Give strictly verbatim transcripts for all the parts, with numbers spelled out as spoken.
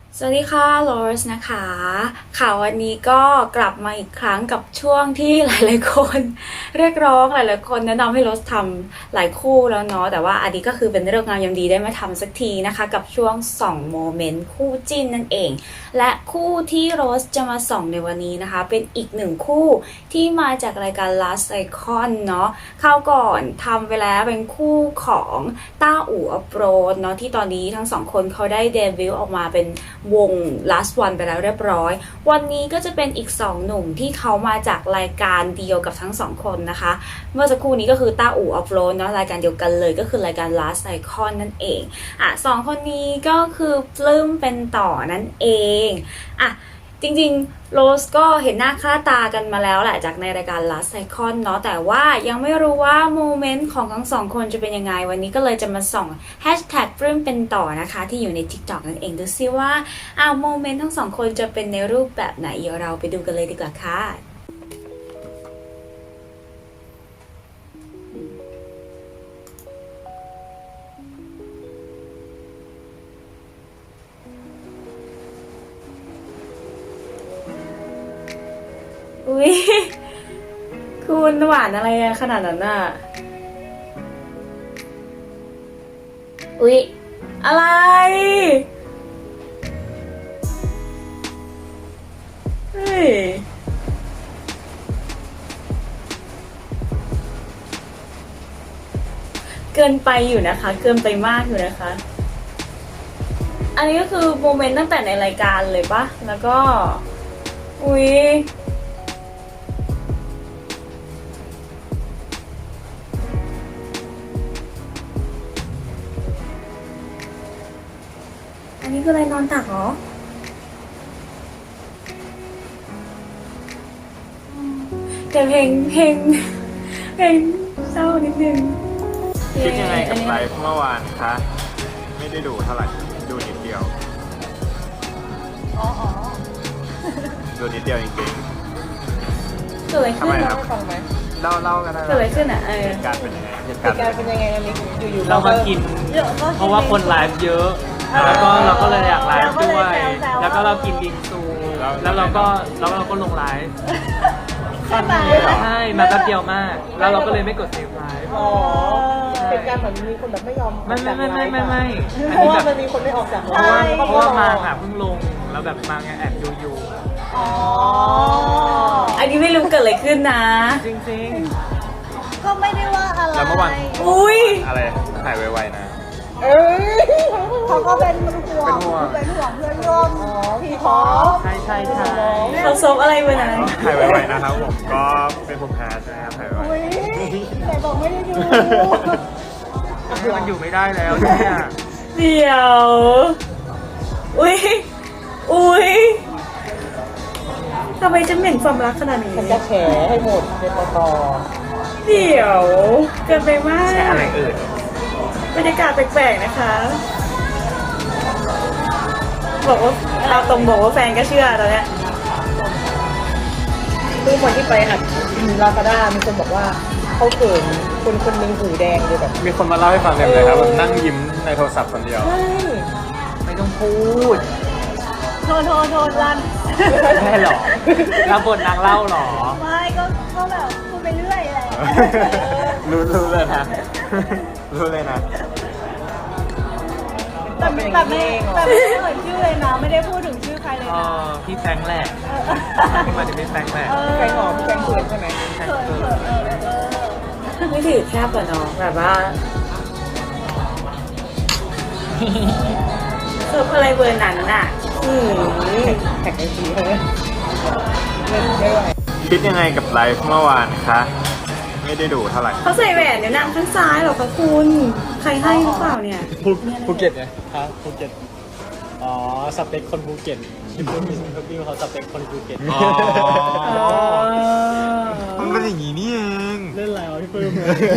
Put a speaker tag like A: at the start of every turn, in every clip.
A: สวัสดีค่ะโรสนะคะค่ะวันนี้ก็กลับมาอีกครั้งกับช่วงที่หลายๆคนเรียกร้องหลายๆคนแนะนำให้โรสทำหลายคู่แล้วเนาะแต่ว่าอันนี้ก็คือเป็นเรื่องงามยามดีได้มาทำสักทีนะคะกับช่วงส่องโมเมนต์คู่จิ้นนั่นเองและคู่ที่โรสจะมาส่องในวันนี้นะคะเป็นอีกหนึ่งคู่ที่มาจากรายการ Last Icon เนาะคราวก่อนทำไปแล้วเป็นคู่ของต้าอู่อัปโรดเนาะที่ตอนนี้ทั้งสองคนเขาได้เดบิวต์ออกมาเป็นวง last one ไปแล้วเรียบร้อยวันนี้ก็จะเป็นอีกสองหนุ่มที่เขามาจากรายการเดียวกับทั้งสองคนนะคะเมื่อสักครู่นี้ก็คือต้าอู่อัปโรดเนาะรายการเดียวกันเลยก็คือรายการ last icon นั่นเองอ่ะสองคนนี้ก็คือปลื้มเป็นต่อนั่นเองอ่ะจริงๆโรสก็เห็นหน้าค่าตากันมาแล้วแหละจากในรายการ Last Icon เนาะแต่ว่ายังไม่รู้ว่าโมเมนต์ของทั้งสองคนจะเป็นยังไงวันนี้ก็เลยจะมาส่อง Hashtag ปลื้มเป็นต่อนะคะที่อยู่ใน TikTok นั่นเองดูซิว่าอ้าวโมเมนต์ทั้งสองคนจะเป็นในรูปแบบไหนเดี๋ยวเราไปดูกันเลยดีกว่าค่ะอุ้ยคุณหวานอะไรขนาดนั้นน่ะอุ๊ยอะไรเฮ้ยเกินไปอยู่นะคะเกินไปมากอยู่นะคะอันนี้ก็คือโมเมนต์ตั้งแต่ในรายการเลยปะแล้วก็อุ๊ยอันนี้คืออะไรนอนตักเหรอแต่เพลงเพลงเพลงเศร้านิดนึง
B: คิดยังไงกับไลฟ์เมื่อวานคะไม่ได้ดูเท่าไหร่ดูนิดเดียวอ๋อดูนิดเดียวจริง
A: เกิดอะไร
B: ๆ
A: ขึ้
B: ทำ
A: น
B: ไมค
A: เนาะ
B: รับเล่าเล่ากันได้
A: เกิดอะไรขึ้นอ่ะเออ
B: เหตุการณ์เป็นยังไงเหตุ
C: เห
B: การ
C: ตุ
B: ณ์
C: การณ์เป็นยังไงอันนี้อยู่ๆ
D: เรามากิน
C: เยอะก็
D: เพราะว่าคนไลฟ์เยอะ แล้วก็เราก็เลยอยากไลฟ์ด้วย แล้วก็เรากินบิงซู แล้วเราก็แล้วเราก็ลงไลฟ์
C: ใช่ไหม
D: ใช่มาแป๊บเดียวมาก แล้วเราก็เลยไม่กดเซฟไลฟ์
C: อ๋อเป็นการเหมือนมีคนแบบไม่ยอม
D: ไม่ไม่ไม่ไม่ไม่ไม่
C: เพราะว่ามันมีคนไม่ออกจาก
D: เพราะว่าเพราะว่ามาอ่ะเพิ่งลง แล้วแบบมาไงแอบดูอยู่
C: อ๋อ
A: อันนี้ไม่รู้เกิดอะไรขึ้นนะ
D: จริง
C: ก็ไม่ได้ว่าอะไร
B: แล้วเมื่อวาน
A: อุ้ย
B: อะไรหายไวๆนะ
C: เอ้ยเขาก็เป็นห่วง
B: เป็นห่วง
C: เป็นห่วงเพื่อนร่วมอ๋อพี่ท็อป
D: ๆ ใช่ใช่ใช่
A: เขาซบอะไรวันนั้น
B: หายไวๆนะครับผมก็เป็นภูมิแพ้ใช่ไหมครับหายไว
C: อุ้ยแต่บอกไม่ได้ดู
D: มันอยู่ไม่ได้แล้วเนี่ย
A: เดี๋ยว อุ้ย อุ้ยทำไมจะเหม็นความรักขนาดนี้
C: ฉันจะแฉให้หมดในปต
A: เดี๋ยว เกินไปมาก
B: แช่อะไรอื่น
A: บรรยากาศแปลกๆนะคะ บอกว่าเราตรงบอกว่าแฟนก็เชื่อตอนเนี้ย
C: คือคนที่ไปหัดลาซาด้ามีคนบอกว่าเขาเขินคนคนหนึงหูแดงเลยแบบ
B: มีคนมาเล่าให้ฟังเต็มเลยครับแบบนั่งยิ้มในโทรศัพท์คนเดียว
C: ใช่
D: ไม่ต้องพูด
C: โทษโทษโทษรัน
D: แม่หรอรับบทนางเล่าหรอ
C: ไม่ก็ก็แบบพูดไปเรื่อยแหละ
B: รู้รู้เลยนะ รู้เลยนะ
C: แต่ไม่แต่ไม่แต่ไม่ได้เอ่ยชื่อเลยนะไม่ได้พูดถึงชื่อใครเลย
D: เอ
C: นะ
D: อพี่แฟรงค์แหละพี่มาถึงพี่แฟรงค์แหละ
C: แกงหอมแกงเผือกใช่ไหม
D: แฟรง
C: เขิ
D: ค์
C: น
D: เกิ
C: เขิ
D: ด
C: นเออเออ
A: ไม่ถือแคบกว่าน้องแบบว่าเสิร์ฟอะไรเบอร์นั้นน่ะ อืม
C: แท็กไอจีเขาเลยเล่นไม่ไหว
B: คิดยังไงกับไลฟ์เมื่อวานคะไม่ได้ดูเท่าไหร่
A: เขาใส่แหวนเดี๋ยวนางข้างซ้ายเหรอคะคุณ ใครให้หรือเปล่าเนี่ย
E: ภูภูเก็ตไงครับภูเก็ต อ๋อ สเปคคนภูเก็ตที่พูดมีพี่เขาสเปคคนภูเก็ต
B: อ๋อ
A: อ๋อ
B: มันเป็นอย่างนี้นี่เอง
E: เล่นอะไรวะพี่ปื้ม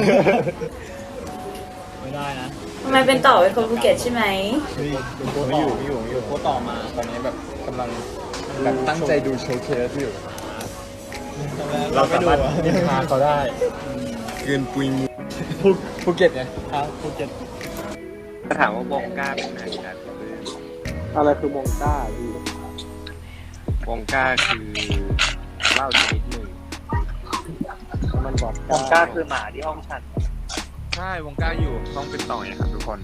E: ไม่ได้นะ
A: ทำไมเป็นต่อเป็นคนภูเก็ตใช่ไหม
E: นี่ดูโค้ต่อไม่อยู่ไม่อยู่โค้ต่อมาตอนนี้แบบกำลังแบบตั้งใจดูโชว์เคสอยู่
B: เราสามารถนินทา
E: เขาได้
B: เกินปุยมุ
E: ภูภูเก็ตไงครับภูเก็ต
B: ถามว่าบงกล้าเป็นไหนครับ
E: อะไรคือมงก้าพี่
B: วงก้าคือเหล้าชนิดหนึ่ง
E: มันบอก
D: ผมกล้าคือหมาที่ห้องฉัน
B: ใช่วงก้าอยู่ห้องเป็นต่อยครับทุกคน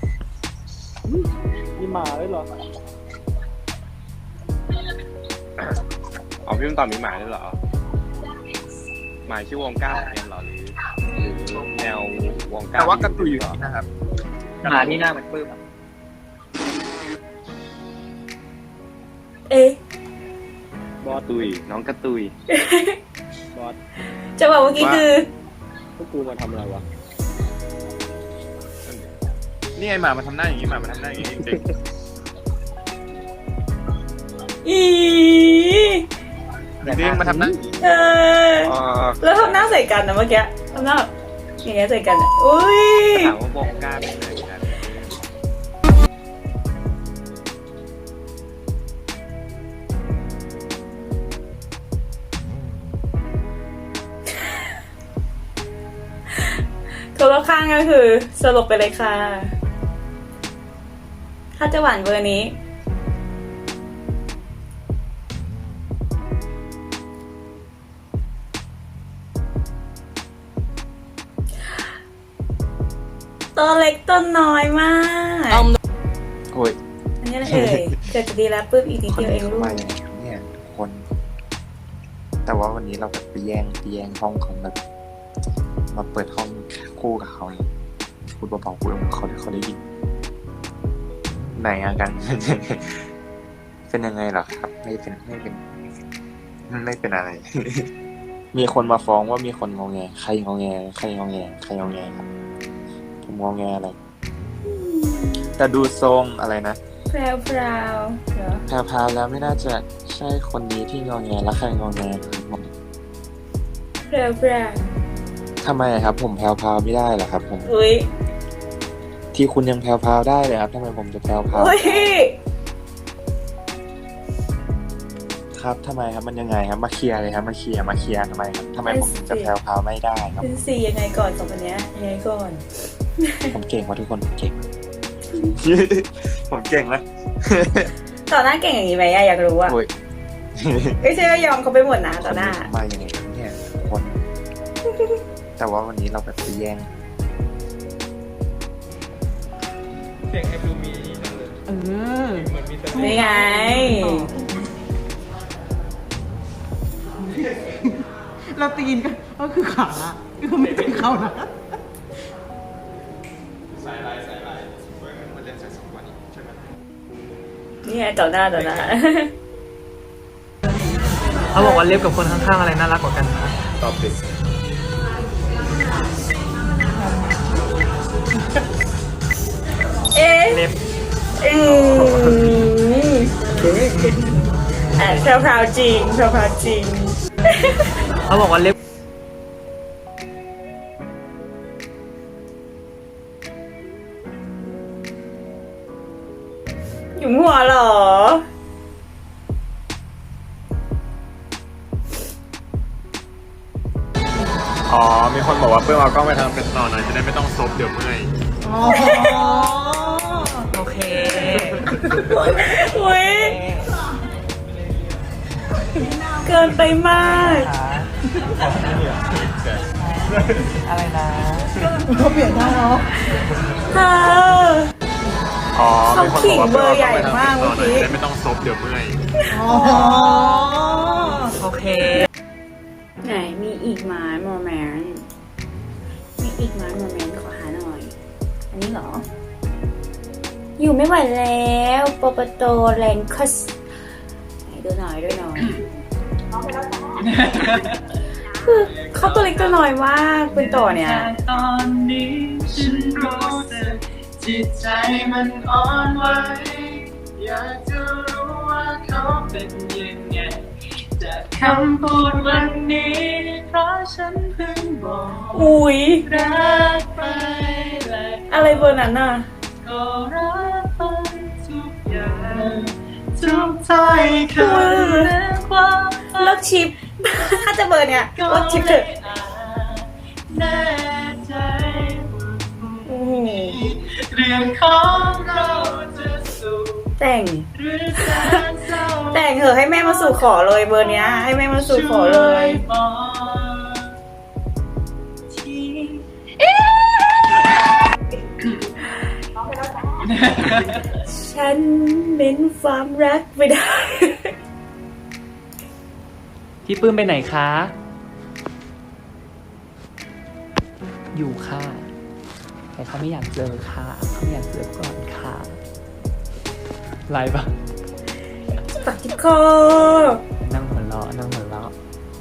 E: มีหมาด้วยเหรอ
B: อ๋อพี่มันต่อมีหมาด้วยเหรอหมาชื่อวงก้าเหมือนกันเหรอหรือหรือแนววงก้าแต่ว่ากระตุยอยู่นี่นะครับ
D: หมาที่หน้าเหมือนปื้มอะ
A: เอ๊ะ
E: บอส
B: ตุยน้องกระตุย
E: บอส
A: จะบอกเมื่อกี้คือ
E: พวกกูมาทำอะไรวะ
B: นี่ไงหมามันทำหน้าอย่างนี้หมามันทำหน้าอย่างนี้จริง
A: อี
B: ๆจริงๆมาทำหน้าอย่างนี้
A: เออ
B: อ๋อ
A: แล้วทำหน้าใส่กันนะเมื่อกี้ทำหน้าแบบอย่างเงี้ยใส่กันอะอุ้ย
B: ถามว่าวงก้าเป็นอะไรกัน
A: คนรอบข้างก็คือสลบไปเลยค่ะ ถ้าจะหวานเบอร์นี้ ตัวเล็กตัวน้อยมาก
B: โอ้ย
A: อันนี้อะไรเอ่ย เกิดจะดีแล้วปุ๊บอีกนิดเดียวเองลูก
F: มาอย่างไงครับเนี่ยทุกคน แต่ว่าวันนี้เราแบบไปแย่งไปแย่งห้องของแบบ มาเปิดห้องคู่กับเขาเลยพูดเบาๆพูดเขาเขาได้ยินไหนอะกัน เป็นยังไงเหรอครับ ไม่เป็นไม่เป็นไม่เป็นอะไร มีคนมาฟ้องว่ามีคนงอแงใครงอแงใครงอแงใครงอแงครับผมงอแงอะไร แต่ดูทรงอะไรนะ
A: แพรวพราวเหรอ
F: แพรพาแล้วไม่น่าจะใช่คนนี้ที่งอแงและใครงอแงครับผม
A: แพรวพราว
F: ทำไมครับ ผมแพรวพราวไม่ได้เหรอครับ ผม
A: อุ้ย
F: ที่คุณยังแพรวพราวได้เลยครับทำไมผมจะแพรวพราว
A: อุ้ย
F: ครับทำไมครับมันยังไงครับมาเคลียร์เลยครับมาเคลียร์มาเคลียร์ทำไมครับทำไมผมถึงจะแพรวพราวไม่ได้ครับ
A: เป็นสี่ยังไงก่อนสองคนเนี้ยยังไงก่อน
F: ผมเก่งว่าทุกคนผมเก่ง ผมเก่งนะ
A: ต่อหน้าเก่งอย่างนี้ไหมอะอยากรู้อะ
F: โอ้ย
A: ไม่ใช่ว่ายอมเขาไปหมดนะต่อหน้า
F: มาอย่างไงครับเนี่ยทุกคน แต่ว่าวันนี้เราแบบไปแย่ง
B: เสียงไอ้ดูมีจังเลย
C: เออ
B: เหมือนมีแต่
A: นี่ไง
C: เราตีนก็ก็คือขาคือไม่เป็นเขานะ
B: สายลายสายลายเว้ยมันเล่นสายสองวันใช่ไหม
A: นี่ไงต่อหน้าต่อหน้า
D: เขาบอกว่าเล็บกับคนข้างๆอะไรน่ารักกว่ากันคะ
B: ตอบติด
A: เอ๊ะ
D: เล็บ
A: อืมแอบแพรวๆจริงแพรวๆจริง
D: เขาบอกว่าเล็บ
A: อยู่หัวเหรอ
B: อ๋อมีคนบอกว่าเพื่อนเอากล้องไปทำเป็นต่อหน่อยจะได้ไม่ต้องซบเดี๋ยวเมื่อย
C: อ๋อ
D: โอเค
A: อุ้ยเกินไปมาก
D: อะไรนะ
C: เขาเปลี่ยนท่าเนาะ
A: เธอ
B: อ๋อมีคนบอกว่าเพื่อนเอากล้องไปทำเป็นต่อหน่อย
A: เขาขิงเบอร์ใหญ่มากเมื่อกี้
B: จะได้ไม่ต้องซบเดี๋ยวเมื่อย
C: อ๋อ
D: โอเค
A: ไหนมีอีกไหม้โมเมนต์มีอีกไหม้โมเมนต์ขอหาหน่อย อันนี้เหรอ อยู่ไม่ไหวแล้วปปโตแรงคัสไหนดูหน่อยด้วยหน่อยคือเขาตัวเล็กตัวน้อยมากเป็นต่อเนี่ย
D: ตอนนี้ฉันรู้สึกจิตใจมันอ่อนไหวอยากจะรู้ว่าเขาเป็นยังไงจากคำพูดวันนี้เพราะฉันเพิ่งบอก
A: อุ้ย
D: รักไปและ
A: อะไรเบอร์นั้นน่ะ
D: ก็รักไปทุกอย่างทุกถ้อยคำและความ
A: เลิกชิป ถ้าจะเบอร์เนี่ย
D: ก็
A: เลิกชิปเถ
D: ไม่
A: อะ
D: อาจแน่ใจว่า
A: โอ้โห
D: เรื่องของเราจะสู่
A: แต่ง
D: หรือแสนเศร้า
A: แต่งเถอะให้แม่มาสู่ขอเลยเบอร์เนี้ย ให้แม่มาสู่ขอเลย
D: ช่วบอกที
A: ฉันเป็นความรักไม่ได้
E: พี่ปื้มไปไหนคะ อยู่ค่ะ แต่เขาไม่อยากเจอค่ะเขาไม่อยากเจอก่อนค่ะไลฟ์ปะ
A: ปักที่คอ
E: นั่งหัวเราะนั่งหัวเราะ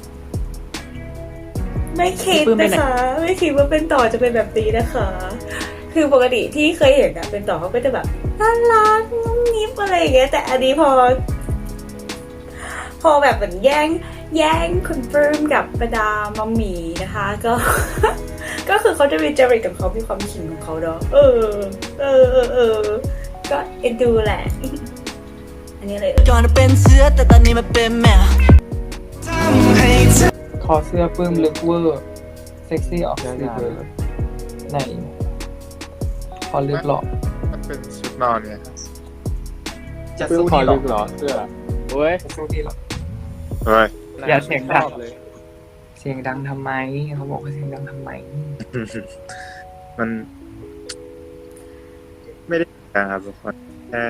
A: ไม่คิด
E: ปื้มไป
A: นะ
E: ไหน
A: คะ ไม่คิดว่าเป็นต่อจะเป็นแบบนี้นะคะ คือปกติที่เคยเห็นอะเป็นต่อเขาก็จะแบบน่ารักงุ้มนิ้มอะไรอย่างเงี้ยแต่อันนี้พอ พอแบบเหมือนแย่งแย่งคุณปลื้มกับประดามัมหมีนะคะ ก็ ก็คือเขาจะมีจริตของเขามีความขิงของเขาเนาะเออ เออเออเออก็เอ็นดูแหละ อันนี้เลย
G: ก่อนเป็นเสือแต่ตอนนี้มันเป็นแมวทำให้เธอ
C: คอเสื้อปลื้มลึกเวอร์เซ็กซี่ออกสีเบอร์ไหนคอลึกหรอ
F: มันเป็นชุดนอนเนี่ยครับ
C: จะ
B: เสื้อ
C: สู้
B: คอ
C: ดีหร
B: ลึ
C: อก
B: เหรอเสื้อเว้ย
C: จะสู้ดีหรอ
F: เฮ้ย
C: อย่าเสียงดัง
B: ชอบเลย
C: เสียงดังทำไมเขาบอกว่าเสียงดังทำไม
F: มัน ไม่ได้นะครับทุกคนแค่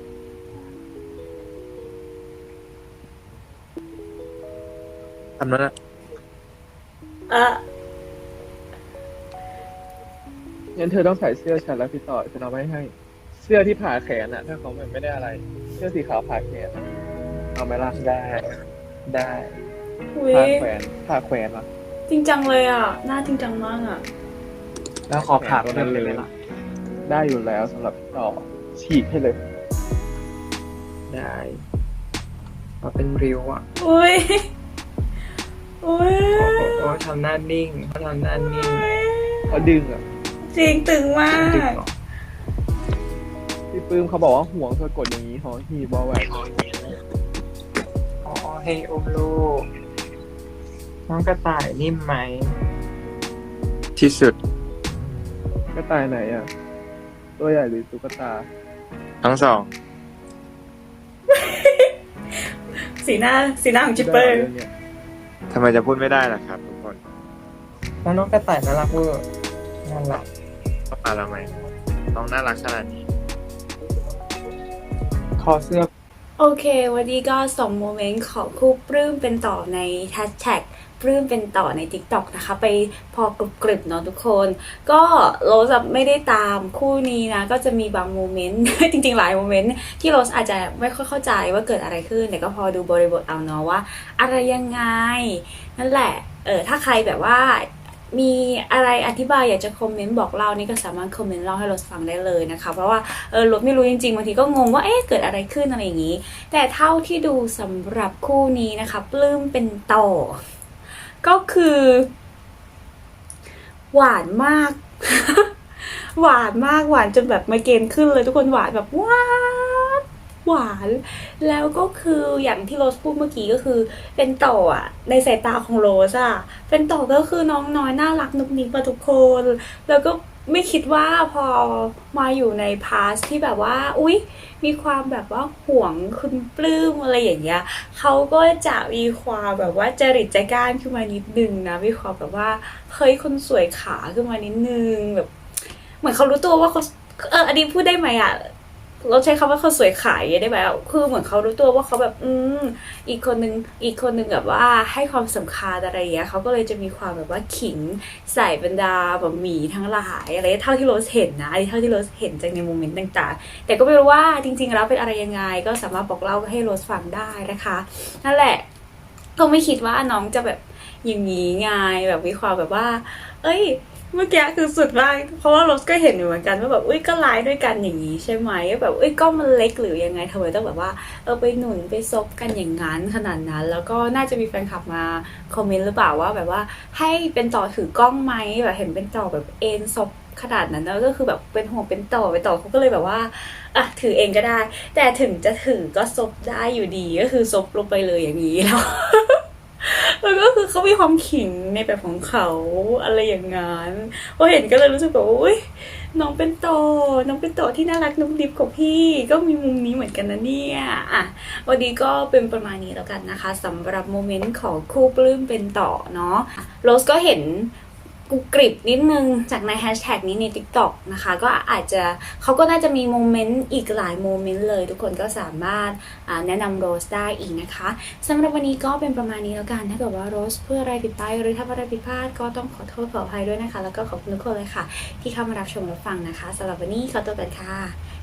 F: ทำนั้นอะ
A: เออ
B: งั้นเธอต้องใส่เสื้อฉันแล้วพี่ต่อฉันเอาไว้ให้ เสื้อที่ผ่าแขนอะถ้าเขาไม่ได้อะไร เสื้อสีขาวผ่าแขนอะเอาไหมล่ะ
C: ได้ ได้
A: อุ้ย
B: ผ่าแขวนผ่าแขวนล่ะ
A: จริงจังเลยอ่ะหน้าจริงจังมากอ่ะ
C: แล้วขอผ่าเพิ่มเลยไหมล่ะ
B: ได้อยู่แล้วสำหรับพี่ต่อฉีกให้เลย
C: ได้มาเป็นริ้วอ่ะ
A: อุ้ยอุ้ย
C: โอ้โหโอ้ทำหน้านิ่งเขาทำหน้านิ่ง
B: เขาดึงอ่ะ
A: จริงตึงมา
C: ดึง
A: ก
C: เหรอ
B: พี่ปื้มเขาบอกว่าห่วงเธอกดอย่างนี้หอหีบอแหวน
C: อ๋อให้อุ้มลูกน้องกระต่ายนิ่มไหม
F: ที่สุด
B: กระต่ายไหนอ่ะ ตัวใหญ่หรือตุ๊กตา
F: ทั้งสอง
A: สีหน้าสีหน้าของจิปเปอร์
B: รื่องนี้ย
F: ทำไมจะพูดไม่ได้ล่ะครับทุกคน
C: แล้วน้องกระต่ายน่ารักเวอร์น่ารัก
F: เข้ามาทำไมน้องน่ารักขนาดนี้
C: คอเสื้อ
A: โอเค วันนี้ก็ส่งโมเมนต์ของคู่ปลื้มเป็นต่อในแฮชแท็กปลื้มเป็นต่อใน TikTok นะคะ ไปพอกรุบกริบเนาะทุกคน ก็โรสไม่ได้ตามคู่นี้นะ ก็จะมีบางโมเมนต์ จริงๆหลายโมเมนต์ที่โรสอาจจะไม่ค่อยเข้าใจว่าเกิดอะไรขึ้น แต่ก็พอดูบริบทเอาเนาะว่า อะไรยังไง นั่นแหละ เออถ้าใครแบบว่า มีอะไรอธิบายอยากจะคอมเมนต์บอกเล่านี่ก็สามารถคอมเมนต์เล่าให้รถฟังได้เลยนะคะเพราะว่าเออรถไม่รู้จริงๆบางทีก็งงว่าเอ๊ะเกิดอะไรขึ้นอะไรอย่างนี้ แต่เท่าที่ดูสำหรับคู่นี้นะคะปลื้มเป็นต่อ ก็คือ หวานมาก หวานมากหวานจนแบบไมเกรนขึ้นเลยทุกคนหวานแบบหวานหวานแล้วก็คืออย่างที่โรสพูดเมื่อกี้ก็คือ เป็นต่ออ่ะในสายตาของโรสอ่ะเป็นต่อก็คือน้องน้อยน่ารักนุกนิกมาทุกคน แล้วก็ไม่คิดว่าพอมาอยู่ในพาสที่แบบว่าอุ๊ยมีความแบบว่าห่วงคุณปลื้มอะไรอย่างเงี้ยเขาก็จะมีความแบบว่าจริตใจกล้านขึ้นมานิดนึงนะมีความแบบว่าเฮ้ยคนสวยขาขึ้นมานิดนึงแบบ เหมือนเขารู้ตัวว่าเขาเอออันนี้พูดได้ไหมอ่ะเราใช้คำว่าเขาสวยขายได้ไหมอ่ะคือเหมือนเขารู้ตัวว่าเขาแบบอืมอีกคนนึงอีกคนนึงแบบว่าให้ความสำคัญอะไรอย่างเงี้ยเขาก็เลยจะมีความแบบว่าขิงใส่บรรดาแบบหมีทั้งหลายอะไรเท่าที่โรสเห็นนะอันนี้เท่าที่โรสเห็นจากในโมเมนต์ต่างๆแต่ก็ไม่รู้ว่าจริงๆแล้วเป็นอะไรยังไงก็สามารถบอกเล่าให้โรสฟังได้นะคะนั่นแหละก็ไม่คิดว่าน้องจะแบบอย่างนี้ไงแบบมีความแบบว่า เอ้ยเมื่อกี้คือสุดมากเพราะว่าโรสก็เห็นอยู่เหมือนกันว่าแบบอุ้ยก็ไลฟ์ด้วยกันอย่างนี้ใช่ไหมแบบอุ้ยก็มันเล็กหรือยังไงทำไมต้องแบบว่าเออไปหนุนไปซบกันอย่างนั้นขนาดนั้น แล้วก็น่าจะมีแฟนคลับมาคอมเมนต์หรือเปล่าว่าแบบว่าให้เป็นต่อถือกล้องไหมแบบเห็นเป็นต่อแบบเอ็นซบขนาดนั้นแล้วก็คือแบบเป็นห่วงเป็นต่อไปต่อเขาก็เลยแบบว่าอ่ะถือเองก็ได้ แต่ถึงจะถือก็ซบได้อยู่ดีก็คือซบลงไปเลยอย่างนี้แล้วแล้วก็คือเขามีความขิงในแบบของเขาอะไรอย่างงั้นพอเห็นก็เลยรู้สึกแบบอุ้ยน้องเป็นโตน้องเป็นโตที่น่ารักนุ่มดิบของพี่ก็มีมุมนี้เหมือนกันนะเนี่ยอ่ะวันนี้ก็เป็นประมาณนี้แล้วกันนะคะสำหรับโมเมนต์ของคู่ปลื้มเป็นต่อเนาะโรสก็เห็นกูกริบนิดนึงจากในแฮชแท็กนี้ใน TikTok นะคะก็อาจจะเขาก็น่าจะมีโมเมนต์อีกหลายโมเมนต์เลยทุกคนก็สามารถแนะนำโรสได้อีกนะคะสำหรับวันนี้ก็เป็นประมาณนี้แล้วกันถ้าเกิดว่าโรสเพื่ออะไรผิดไปหรือถ้าอะไรผิดพลาดก็ต้องขอโทษขออภัยด้วยนะคะแล้วก็ขอบคุณทุกคนเลยค่ะที่เข้ามารับชมรับฟังนะคะสำหรับวันนี้ขอตัวกันค่ะ